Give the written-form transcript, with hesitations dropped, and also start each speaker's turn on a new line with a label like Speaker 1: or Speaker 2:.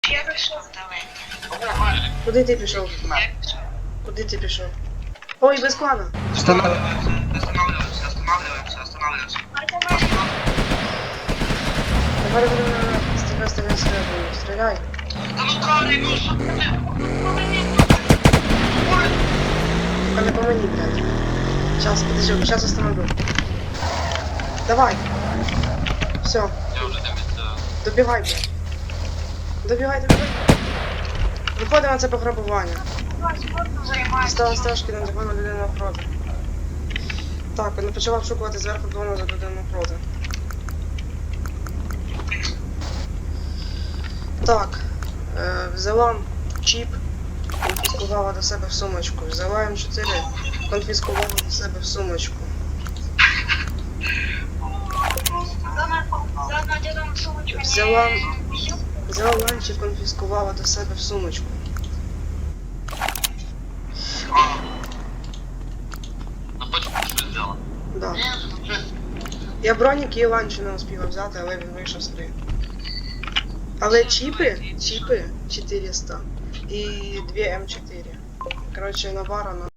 Speaker 1: Я пішов далеко.
Speaker 2: Куди ти пішов?
Speaker 1: Я пішов.
Speaker 2: Куди ти пішов? Ой, без клана.
Speaker 3: Останавливаемся.
Speaker 2: Давай, стреляй.
Speaker 3: Да ну Карли, ну что ты?
Speaker 2: Только не помани, блядь. Сейчас, подожди, сейчас остановлю. Давай. Все,
Speaker 3: Я уже там
Speaker 2: добігай, блядь. Добігай. Виходимо на це пограбування. Стала стежки на закону людини навпроти. Так, він почала обшукувати зверху двома за людину навпроти. Так, взяла чіп, конфіскувала до себе в сумочку. Взяла М4, конфіскувала до себе в сумочку. Взяла ланч і конфіскувала до себе в сумочку.
Speaker 3: Ну почему что сделала?
Speaker 2: Да. Я бронік і ланчі не успіла взяти, але він вийшов з гри. Але чіпи 400 і 2 М4. Коротше, навара на